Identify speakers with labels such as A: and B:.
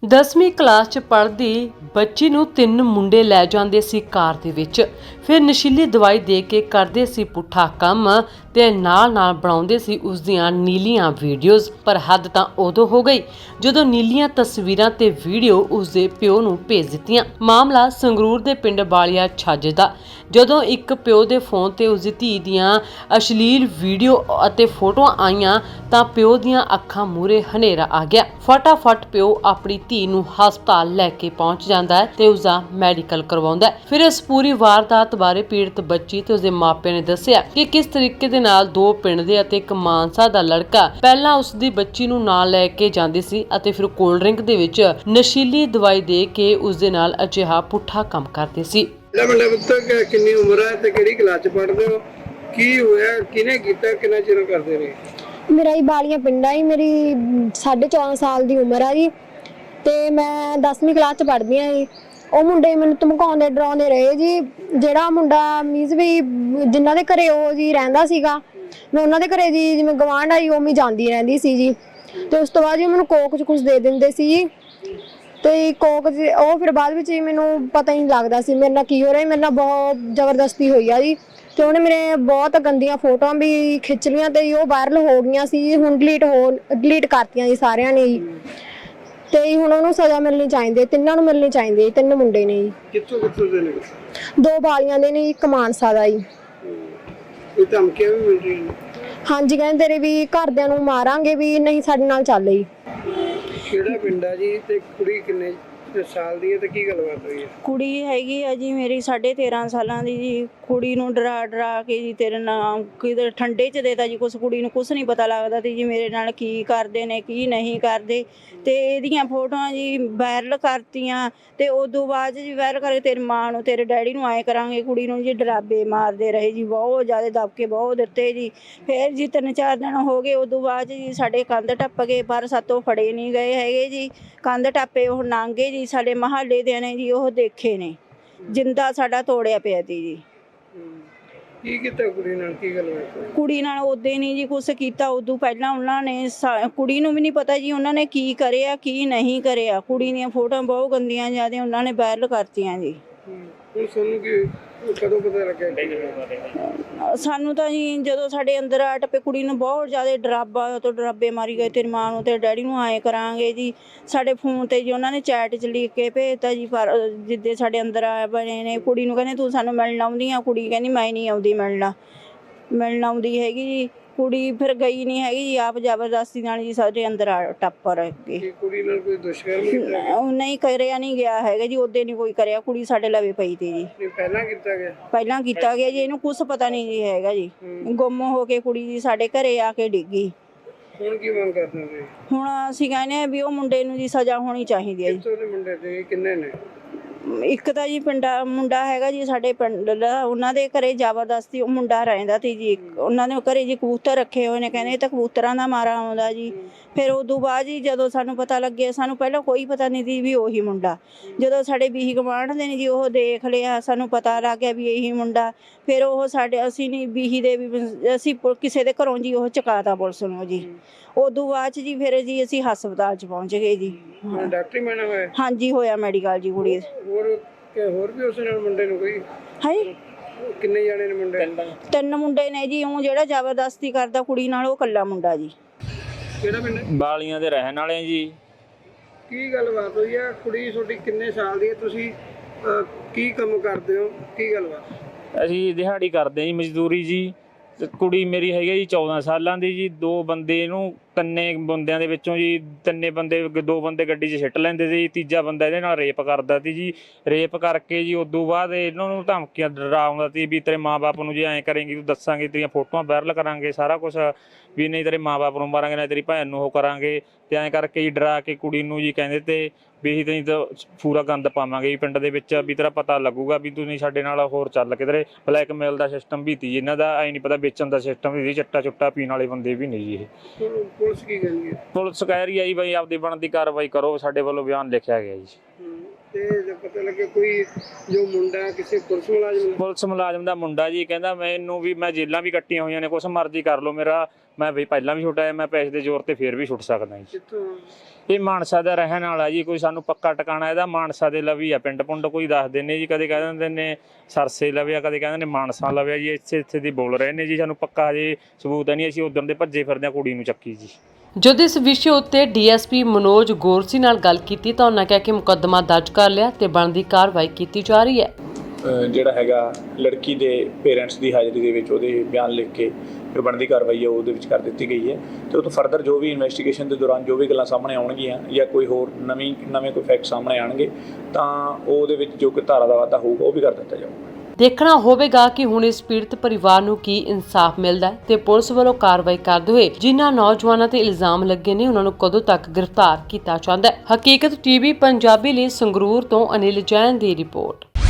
A: 10ਵੀਂ ਕਲਾਸ 'ਚ ਪੜ੍ਹਦੀ ਬੱਚੀ ਨੂੰ 3 ਮੁੰਡੇ ਲੈ ਜਾਂਦੇ ਸੀ ਕਾਰ ਦੇ ਵਿੱਚ। ਫਿਰ ਨਸ਼ੀਲੀ ਦਵਾਈ ਦੇ ਕੇ ਕਰਦੇ ਸੀ ਪੁੱਠਾ ਕੰਮ ਤੇ ਨਾਲ ਬਣਾਉਂਦੇ ਸੀ ਉਸ ਦੀਆਂ ਨੀਲੀਆਂ ਵੀਡੀਓਜ਼। ਪਰ ਹੱਦ ਤਾਂ ਉਦੋਂ ਹੋ ਗਈ ਜਦੋਂ ਨੀਲੀਆਂ ਤਸਵੀਰਾਂ ਤੇ ਵੀਡੀਓ ਉਸ ਦੇ ਪਿਓ ਨੂੰ ਭੇਜ ਦਿੱਤੀਆਂ। ਮਾਮਲਾ ਸੰਗਰੂਰ ਦੇ ਪਿੰਡ ਬਾਲੀਆ ਛੱਜ ਦਾ, ਜਦੋਂ ਇੱਕ ਪਿਓ ਦੇ ਫੋਨ ਤੇ ਉਸ ਦੀ ਧੀ ਦੀਆਂ ਅਸ਼ਲੀਲ ਵੀਡੀਓ ਅਤੇ ਫੋਟੋਆਂ ਆਈਆਂ ਤਾਂ ਪਿਓ ਦੀਆਂ ਅੱਖਾਂ ਮੂਹਰੇ ਹਨੇਰਾ ਆ ਗਿਆ। ਫਟਾਫਟ ਪਿਓ ਆਪਣੀ ਧੀ ਨੂੰ ਹਸਪਤਾਲ ਲੈ ਕੇ ਪਹੁੰਚ ਜਾਂਦਾ ਹੈ ਤੇ ਉਸ ਦਾ ਮੈਡੀਕਲ ਕਰਵਾਉਂਦਾ ਹੈ। ਫਿਰ ਇਸ ਪੂਰੀ ਵਾਰਦਾਤ ਬਾਰੇ ਪੀੜਤ ਬੱਚੀ ਤੇ ਉਸਦੇ ਮਾਪਿਆਂ ਨੇ ਦੱਸਿਆ ਕਿ ਕਿਸ ਤਰੀਕੇ ਦੇ ਨਾਲ 2 ਪਿੰਡ ਦੇ ਅਤੇ ਇੱਕ ਮਾਨਸਾ ਦਾ ਲੜਕਾ ਪਹਿਲਾਂ ਉਸ ਦੀ ਬੱਚੀ ਨੂੰ ਨਾਲ ਲੈ ਕੇ ਜਾਂਦੇ ਸੀ ਅਤੇ ਫਿਰ ਕੋਲਡ ਡਰਿੰਕ ਦੇ ਵਿੱਚ ਨਸ਼ੀਲੀ ਦਵਾਈ ਦੇ ਕੇ ਉਸ ਦੇ ਨਾਲ ਅਜਿਹਾ ਪੁੱਠਾ ਕੰਮ ਕਰਦੇ ਸੀ।
B: ਕਿੰਨੀ ਉਮਰ ਹੈ ਤੇ ਕਿਹੜੀ ਕਲਾਸ ਚ ਪੜ੍ਹਦੇ ਹੋ? ਕੀ ਹੋਇਆ, ਕਿਹਨੇ ਕੀਤਾ, ਕਿੰਨਾ ਚਿਰ ਕਰਦੇ ਰਹੇ?
C: ਮੇਰਾ ਹੀ ਬਾਲੀਆਂ ਪਿੰਡ ਆ ਜੀ। ਮੇਰੀ 14.5 ਸਾਲ ਦੀ ਉਮਰ ਆ ਜੀ ਤੇ ਮੈਂ 10ਵੀਂ ਕਲਾਸ ਚ ਪੜ੍ਹਦੀ ਆ ਜੀ। ਉਹ ਮੁੰਡੇ ਮੈਨੂੰ ਧਮਕਾਉਂਦੇ ਡਰਾਉਂਦੇ ਰਹੇ ਜੀ। ਜਿਹੜਾ ਮੁੰਡਾ ਮੀਜ਼ ਵੀ ਜਿਨ੍ਹਾਂ ਦੇ ਘਰੇ ਉਹ ਜੀ ਰਹਿੰਦਾ ਸੀਗਾ, ਮੈਂ ਉਹਨਾਂ ਦੇ ਘਰੇ ਜੀ ਜਿਵੇਂ ਗਵਾਂਢ ਆਈ ਉਵੇਂ ਜਾਂਦੀ ਰਹਿੰਦੀ ਸੀ ਜੀ। ਤੇ ਉਸ ਤੋਂ ਬਾਅਦ ਜੀ ਮੈਨੂੰ ਕੋਕ ਚ ਕੁਝ ਦੇ ਦਿੰਦੇ ਸੀ ਜੀ। ਤੇ ਕੋਕ ਉਹ ਫਿਰ ਬਾਅਦ ਵਿੱਚ ਮੈਨੂੰ ਪਤਾ ਹੀ ਨਹੀਂ ਲੱਗਦਾ ਸੀ ਮੇਰੇ ਨਾਲ ਕੀ ਹੋ ਰਿਹਾ। ਮੇਰੇ ਨਾਲ ਬਹੁਤ ਜ਼ਬਰਦਸਤੀ ਹੋਈ ਆ ਜੀ ਤੇ ਉਹਨੇ ਮੇਰੇ ਬਹੁਤ ਗੰਦੀਆਂ ਫੋਟੋਆਂ ਵੀ ਖਿੱਚ ਲਈਆਂ ਤੇ ਉਹ ਵਾਇਰਲ ਹੋ ਗਈਆਂ ਸੀ। ਹੁਣ ਡਿਲੀਟ ਕਰਤੀਆਂ ਜੀ ਸਾਰਿਆਂ ਨੇ ਜੀ। ਤੇ ਹੁਣ ਉਹਨੂੰ ਸਜ਼ਾ ਮਿਲਣੀ ਚਾਹੀਦੀ, ਤਿੰਨਾਂ ਨੂੰ ਮਿਲਣੀ ਚਾਹੀਦੀ। 3 ਮੁੰਡੇ ਨੇ ਜੀ।
B: ਕਿੱਥੋਂ ਦੇ ਨੇ?
C: 2 ਬਾਲੀਆਂ ਦੇ ਨੇ, ਇੱਕ ਮਾਨਸਾ ਦਾ ਜੀ।
B: ਕੋਈ ਧਮਕੀਆਂ ਵੀ ਮਿਲ ਰਹੀਆਂ ਨੇ?
C: ਹਾਂਜੀ, ਕਹਿੰਦੇ ਤੇਰੇ ਵੀ ਘਰਦਿਆਂ ਨੂੰ ਮਾਰਾਂਗੇ ਵੀ ਨਹੀਂ ਸਾਡੇ ਨਾਲ ਚੱਲ ਜੀ।
B: ਕਿਹੜਾ ਪਿੰਡ ਆ ਜੀ ਤੇ ਕੁੜੀ ਕਿੰਨੇ ਸਾਲ ਦੀ ਹੈ ਤੇ ਕੀ ਗੱਲਬਾਤ ਹੋਈ ਹੈ?
D: ਕੁੜੀ ਹੈਗੀ ਆ ਜੀ ਮੇਰੀ 13.5 ਸਾਲਾਂ ਦੀ ਜੀ। ਕੁੜੀ ਨੂੰ ਡਰਾ ਕੇ ਜੀ ਤੇਰੇ ਨਾਮ ਕਿਤੇ ਠੰਡੇ 'ਚ ਦੇਤਾ ਜੀ। ਕੁਛ ਕੁੜੀ ਨੂੰ ਕੁਛ ਨਹੀਂ ਪਤਾ ਲੱਗਦਾ ਤੇ ਜੀ ਮੇਰੇ ਨਾਲ ਕੀ ਕਰਦੇ ਨੇ ਕੀ ਨਹੀਂ ਕਰਦੇ। ਤੇ ਇਹਦੀਆਂ ਫੋਟੋਆਂ ਜੀ ਵਾਇਰਲ ਕਰਤੀਆਂ ਤੇ ਉਦੋਂ ਬਾਅਦ ਜੀ ਵਾਇਰਲ ਕਰਕੇ ਤੇਰੀ ਮਾਂ ਨੂੰ ਤੇਰੇ ਡੈਡੀ ਨੂੰ ਆਏ ਕਰਾਂਗੇ। ਕੁੜੀ ਨੂੰ ਜੀ ਡਰਾਬੇ ਮਾਰਦੇ ਰਹੇ ਜੀ, ਬਹੁਤ ਜ਼ਿਆਦਾ ਦਬਕੇ ਬਹੁਤ ਦਿੱਤੇ ਜੀ। ਫਿਰ ਜੀ 3-4 ਦਿਨ ਹੋ ਗਏ। ਉਦੋਂ ਬਾਅਦ ਜੀ ਸਾਡੇ ਕੰਧ ਟੱਪ ਗਏ ਪਰ ਸਾਤੋਂ ਫੜੇ ਨਹੀਂ ਗਏ ਹੈਗੇ ਜੀ। ਕੰਧ ਟੱਪੇ ਉਹ ਨਾਂਗੇ ਜੀ, ਸਾਡੇ ਮਹੱਲੇ ਦੇ ਨੇ ਜੀ ਉਹ ਦੇਖੇ ਨੇ। ਜਿੰਦਾ ਸਾਡਾ ਤੋੜਿਆ ਪਿਆ ਤੀ ਜੀ।
B: ਕੀ ਕੀਤਾ ਕੁੜੀ ਨਾਲ, ਕੀ ਗੱਲਬਾਤ?
D: ਕੁੜੀ ਨਾਲ ਉਦੋਂ ਨਹੀਂ ਜੀ ਕੁਛ ਕੀਤਾ। ਉਦੋਂ ਪਹਿਲਾਂ ਉਹਨਾਂ ਨੇ ਕੁੜੀ ਨੂੰ ਵੀ ਨਹੀਂ ਪਤਾ ਜੀ ਉਹਨਾਂ ਨੇ ਕੀ ਕਰਿਆ ਕੀ ਨਹੀਂ ਕਰਿਆ। ਕੁੜੀ ਦੀਆਂ ਫੋਟੋਆਂ ਬਹੁਤ ਗੰਦੀਆਂ ਜ਼ਿਆਦਾ ਉਹਨਾਂ ਨੇ ਵਾਇਰਲ ਕਰਤੀਆਂ ਜੀ।
B: ਹੁਣ ਸਾਨੂੰ ਕੀ ਕਦੋਂ ਪਤਾ ਲੱਗਿਆ?
D: ਸਾਨੂੰ ਤਾਂ ਜੀ ਜਦੋਂ ਸਾਡੇ ਅੰਦਰ ਆ ਟੱਪੇ ਕੁੜੀ ਨੂੰ ਬਹੁਤ ਜ਼ਿਆਦਾ ਡਰਾਬੇ ਮਾਰੀ ਗਏ। ਤੇਰੀ ਮਾਂ ਨੂੰ ਤੇ ਡੈਡੀ ਨੂੰ ਆਏ ਕਰਾਂਗੇ ਜੀ। ਸਾਡੇ ਫੋਨ ਤੇ ਜੀ ਉਹਨਾਂ ਨੇ ਚੈਟ 'ਚ ਲਿਖ ਕੇ ਭੇਜਤਾ ਜੀ। ਪਰ ਜਿੱਦੇ ਸਾਡੇ ਅੰਦਰ ਆ ਬਣੇ ਨੇ ਕੁੜੀ ਨੂੰ ਕਹਿੰਦੇ ਤੂੰ ਸਾਨੂੰ ਮਿਲਣ ਆਉਂਦੀ ਆ। ਕੁੜੀ ਕਹਿੰਦੀ ਮੈਂ ਨਹੀਂ ਆਉਂਦੀ ਮਿਲਣ ਆਉਂਦੀ ਹੈਗੀ ਜੀ। ਕੁੜੀ ਫਿਰ ਗਈ ਨਹੀਂ ਹੈਗੀ ਜੀ। ਆਪ ਜ਼ਬਰਦਸਤੀ ਨਾਲ ਜੀ ਸਾਡੇ ਅੰਦਰ ਟੱਪ ਰਹੇ।
B: ਕੁੜੀ ਨਾਲ ਕੋਈ ਦੁਸ਼ਕਰਮ
D: ਨਹੀਂ ਕਰਿਆ ਨਹੀਂ ਗਿਆ ਹੈਗਾ ਜੀ। ਉਦੋਂ ਨਹੀਂ ਕੋਈ ਕਰਿਆ। ਕੁੜੀ ਸਾਡੇ ਲਵੇ ਪਈ ਤੀ ਜੀ।
B: ਪਹਿਲਾਂ
D: ਕੀਤਾ ਗਿਆ ਜੀ। ਇਹਨੂੰ ਕੁਛ ਪਤਾ ਨਹੀਂ ਜੀ ਹੈਗਾ ਜੀ। ਗੁੰਮ ਹੋ ਕੇ ਕੁੜੀ ਜੀ ਸਾਡੇ ਘਰੇ ਆ ਕੇ ਡਿੱਗੀ।
B: ਹੁਣ ਕੀ ਮੰਗ ਕਰਦੇ ਹੋ?
D: ਹੁਣ ਅਸੀਂ ਕਹਿੰਦੇ ਆ ਵੀ ਉਹ ਮੁੰਡੇ ਨੂੰ ਜੀ ਸਜ਼ਾ ਹੋਣੀ ਚਾਹੀਦੀ ਹੈ ਜੀ।
B: ਕਿੱਥੋਂ ਦੇ ਮੁੰਡੇ ਤੇ ਕਿੰਨੇ ਨੇ?
D: ਇੱਕ ਤਾਂ ਜੀ ਮੁੰਡਾ ਹੈਗਾ ਜੀ ਸਾਡੇ ਪਿੰਡ ਦਾ। ਉਹਨਾਂ ਦੇ ਘਰੇ ਜ਼ਬਰਦਸਤੀ ਉਹ ਮੁੰਡਾ ਰਹਿੰਦਾ ਸੀ ਜੀ। ਉਹਨਾਂ ਦੇ ਘਰੇ ਜੀ ਕਬੂਤਰ ਰੱਖੇ ਹੋਏ ਨੇ। ਕਹਿੰਦੇ ਤਾਂ ਕਬੂਤਰਾਂ ਦਾ ਮਾਰਾ ਆਉਂਦਾ ਜੀ। ਫਿਰ ਉਦੋਂ ਬਾਅਦ ਜੀ ਜਦੋਂ ਸਾਨੂੰ ਪਤਾ ਲੱਗਿਆ, ਸਾਨੂੰ ਪਹਿਲਾਂ ਕੋਈ ਪਤਾ ਨਹੀਂ ਸੀ ਵੀ ਉਹੀ ਮੁੰਡਾ। ਜਦੋਂ ਸਾਡੇ ਬੀਹੀ ਗਵਾਂਢ ਦੇ ਨੇ ਜੀ ਉਹ ਦੇਖ ਲਿਆ, ਸਾਨੂੰ ਪਤਾ ਲੱਗ ਗਿਆ ਵੀ ਇਹੀ ਮੁੰਡਾ। ਫਿਰ ਉਹ ਅਸੀਂ ਨਹੀਂ ਬੀਹੀ ਦੇ ਵੀ ਅਸੀਂ ਕਿਸੇ ਦੇ ਘਰੋਂ ਜੀ ਉਹ ਚੁਕਾਤਾ ਪੁਲਿਸ ਨੂੰ ਜੀ। ਉਦੋਂ ਬਾਅਦ 'ਚ ਜੀ ਫਿਰ ਜੀ ਅਸੀਂ ਹਸਪਤਾਲ 'ਚ ਪਹੁੰਚ ਗਏ ਜੀ।
B: ਡਾਕਟਰੀ ਮੈਨਾਂ ਹੋਇਆ?
D: ਹਾਂਜੀ ਹੋਇਆ ਮੈਡੀਕਲ ਜੀ ਕੁੜੀ।
B: ਹੋਰ ਵੀ ਉਸ ਨਾਲ ਮੁੰਡੇ ਨੂੰ ਕੋਈ
D: ਹੈ?
B: ਕਿੰਨੇ ਜਾਣੇ ਨੇ ਮੁੰਡੇ?
D: 3 ਮੁੰਡੇ ਨੇ ਜੀ। ਉਹ ਜਿਹੜਾ ਜ਼ਬਰਦਸਤੀ ਕਰਦਾ ਕੁੜੀ ਨਾਲ ਉਹ ਇਕੱਲਾ ਮੁੰਡਾ ਜੀ।
B: ਕਿਹੜਾ ਪਿੰਡ?
E: ਬਾਲੀਆਂ ਦੇ ਰਹਿਣ ਵਾਲੇ ਜੀ।
B: ਕੀ ਗੱਲਬਾਤ ਹੋਈ ਆ? ਕੁੜੀ ਤੁਹਾਡੀ ਕਿੰਨੇ ਸਾਲ ਦੀ ਹੈ? ਤੁਸੀਂ ਕੀ ਕੰਮ ਕਰਦੇ ਹੋ? ਕੀ ਗੱਲਬਾਤ?
E: ਅਸੀਂ ਦਿਹਾੜੀ ਕਰਦੇ ਜੀ, ਮਜ਼ਦੂਰੀ ਜੀ। ਤੇ ਕੁੜੀ ਮੇਰੀ ਹੈਗੀ ਜੀ 14 ਸਾਲਾਂ ਦੀ ਜੀ। 2 ਬੰਦੇ ਇਹਨੂੰ 3 ਬੰਦਿਆਂ ਦੇ ਵਿੱਚੋਂ ਜੀ 2 ਬੰਦੇ ਗੱਡੀ 'ਚ ਸਿੱਟ ਲੈਂਦੇ ਸੀ। ਤੀਜਾ ਬੰਦਾ ਇਹਦੇ ਨਾਲ ਰੇਪ ਕਰਦਾ ਸੀ ਜੀ। ਰੇਪ ਕਰਕੇ ਜੀ ਉਦੋਂ ਬਾਅਦ ਇਹਨਾਂ ਨੂੰ ਧਮਕੀਆਂ ਡਰਾਉਂਦਾ ਸੀ ਵੀ ਤੇਰੇ ਮਾਂ-ਬਾਪ ਨੂੰ ਜੇ ਐਂ ਕਰੇਂਗੀ ਤੂੰ ਦੱਸਾਂਗੇ, ਤੇਰੀਆਂ ਫੋਟੋਆਂ ਵਾਇਰਲ ਕਰਾਂਗੇ, ਸਾਰਾ ਕੁਛ ਵੀ ਨਹੀਂ ਤੇਰੇ ਮਾਂ-ਬਾਪ ਨੂੰ ਮਾਰਾਂਗੇ, ਨਾ ਤੇਰੀ ਭੈਣ ਨੂੰ ਉਹ ਕਰਾਂਗੇ। ਤੇ ਐਂ ਕਰਕੇ ਜੀ ਡਰਾ ਕੇ ਕੁੜੀ ਨੂੰ ਜੀ ਕਹਿੰਦੇ ਤੇ ਵੀ ਅਸੀਂ ਤੈਨੂੰ ਤਾਂ ਪੂਰਾ ਗੰਦ ਪਾਵਾਂਗੇ ਜੀ ਪਿੰਡ ਦੇ ਵਿੱਚ, ਵੀ ਤੇਰਾ ਪਤਾ ਲੱਗੂਗਾ ਵੀ ਤੂੰ ਨਹੀਂ ਸਾਡੇ ਨਾਲ ਹੋਰ ਚੱਲ ਕਿਧਰੇ। ਬਲੈਕਮੇਲ ਦਾ ਸਿਸਟਮ ਵੀ ਤੀ ਇਹਨਾਂ ਦਾ। ਐਂ ਨਹੀਂ ਪਤਾ ਵੇਚਣ ਦਾ ਸਿਸਟਮ ਵੀ ਸੀ। ਚੱਟਾ ਚੁੱਟਾ ਪੀਣ ਵਾਲੇ ਬੰਦੇ ਵੀ ਨਹੀਂ ਜੀ ਇਹ।
B: ਪੁਲਿਸ ਕੀ ਕਹਿੰਦੀ ਹੈ?
E: ਪੁਲਿਸ ਕਹਿ ਰਹੀ ਹੈ ਜੀ ਬਈ ਆਪਦੀ ਬਣਦੀ ਕਾਰਵਾਈ ਕਰੋ। ਸਾਡੇ ਵੱਲੋਂ ਬਿਆਨ ਲਿਖਿਆ ਗਿਆ ਜੀ।
B: ਤੇ ਪਤਾ ਲੱਗੇ ਕੋਈ ਜੋ ਮੁੰਡਾ ਕਿਸੇ ਪੁਲਿਸ ਮੁਲਾਜ਼ਮ ਦਾ ਮੁੰਡਾ ਜੀ ਕਹਿੰਦਾ ਮੈਨੂੰ ਵੀ ਮੈਂ ਜੇਲਾਂ ਵੀ ਕੱਟੀਆਂ ਹੋਈਆਂ ਨੇ, ਕੁਛ ਮਰਜ਼ੀ ਕਰ ਲਓ, ਮੇਰਾ
E: ਮੈਂ ਵੀ ਪਹਿਲਾਂ ਵੀ ਛੁੱਟਿਆ, ਮੈਂ ਪੈਸੇ ਦੇ ਜ਼ੋਰ ਤੇ ਫੇਰ ਵੀ ਛੁੱਟ ਸਕਦਾ ਜੀ।
B: ਕਿੱਥੋਂ?
E: ਇਹ ਮਾਨਸਾ ਦਾ ਰਹਿਣ ਵਾਲਾ ਜੀ, ਕੋਈ ਸਾਨੂੰ ਪੱਕਾ ਟਿਕਾਣਾ ਇਹਦਾ ਮਾਨਸਾ ਦੇ ਲਵੀ ਆ, ਪਿੰਡ ਪੁੰਡ ਕੋਈ ਦੱਸਦੇ ਨੇ ਜੀ, ਕਦੇ ਕਹਿ ਦਿੰਦੇ ਨੇ ਸਰਸੇ ਲਵਿਆ, ਕਦੇ ਕਹਿੰਦੇ ਨੇ ਮਾਨਸਾ ਲਵਿਆ ਜੀ, ਇੱਥੇ ਦੀ ਬੋਲ ਰਹੇ ਨੇ ਜੀ। ਸਾਨੂੰ ਪੱਕਾ ਹਜੇ ਸਬੂਤ ਨਹੀਂ, ਅਸੀਂ ਉਧਰ ਦੇ ਭੱਜੇ ਫਿਰਦੇ ਹਾਂ ਕੁੜੀ ਨੂੰ ਚੱਕੀ ਜੀ।
A: ਜਦੋਂ ਇਸ ਵਿਸ਼ੇ ਉੱਤੇ ਡੀਐਸਪੀ ਮਨੋਜ ਗੋਰਸੀ ਨਾਲ ਗੱਲ ਕੀਤੀ ਤਾਂ ਉਹਨਾਂ ਕਿਹਾ ਕਿ ਮੁਕੱਦਮਾ ਦਰਜ ਕਰ ਲਿਆ ਤੇ ਬਣਦੀ ਕਾਰਵਾਈ ਕੀਤੀ ਜਾ ਰਹੀ ਹੈ।
F: ਜਿਹੜਾ ਹੈਗਾ ਲੜਕੀ ਦੇ ਪੇਰੈਂਟਸ ਦੀ ਹਾਜ਼ਰੀ ਦੇ ਵਿੱਚ ਉਹਦੇ ਬਿਆਨ ਲਿਖ ਕੇ ਜੋ ਬਣਦੀ ਕਾਰਵਾਈ ਹੈ ਉਹਦੇ ਵਿੱਚ ਕਰ ਦਿੱਤੀ ਗਈ ਹੈ ਤੇ ਉਹ ਤੋਂ ਫਰਦਰ ਜੋ ਵੀ ਇਨਵੈਸਟੀਗੇਸ਼ਨ ਦੇ ਦੌਰਾਨ ਜੋ ਵੀ ਗੱਲਾਂ ਸਾਹਮਣੇ ਆਉਣਗੀਆਂ ਜਾਂ ਕੋਈ ਹੋਰ ਨਵੇਂ ਕੋਈ ਫੈਕਟ ਸਾਹਮਣੇ ਆਣਗੇ ਤਾਂ ਉਹਦੇ ਵਿੱਚ ਜੋ ਕੋਈ ਧਾਰਾ ਦਾ ਵਾਧਾ ਹੋਊਗਾ ਉਹ ਵੀ ਕਰ ਦਿੱਤਾ ਜਾਊਗਾ। ਦੇਖਣਾ
A: ਹੋਵੇਗਾ ਕਿ ਹੁਣ ਇਸ ਪੀੜਤ ਪਰਿਵਾਰ ਨੂੰ ਕੀ ਇਨਸਾਫ ਮਿਲਦਾ ਹੈ ਤੇ ਪੁਲਿਸ ਵੱਲੋਂ ਕਾਰਵਾਈ ਕਰਦੇ ਹੋਏ ਜਿਨ੍ਹਾਂ ਨੌਜਵਾਨਾਂ ਤੇ ਇਲਜ਼ਾਮ ਲੱਗੇ ਨੇ ਉਹਨਾਂ ਨੂੰ ਕਦੋਂ ਤੱਕ ਗ੍ਰਿਫਤਾਰ ਕੀਤਾ ਜਾਂਦਾ ਹੈ। ਹਕੀਕਤ ਟੀਵੀ ਪੰਜਾਬੀ ਲਈ ਸੰਗਰੂਰ ਤੋਂ ਅਨਿਲ ਜੈਨ ਦੀ ਰਿਪੋਰਟ।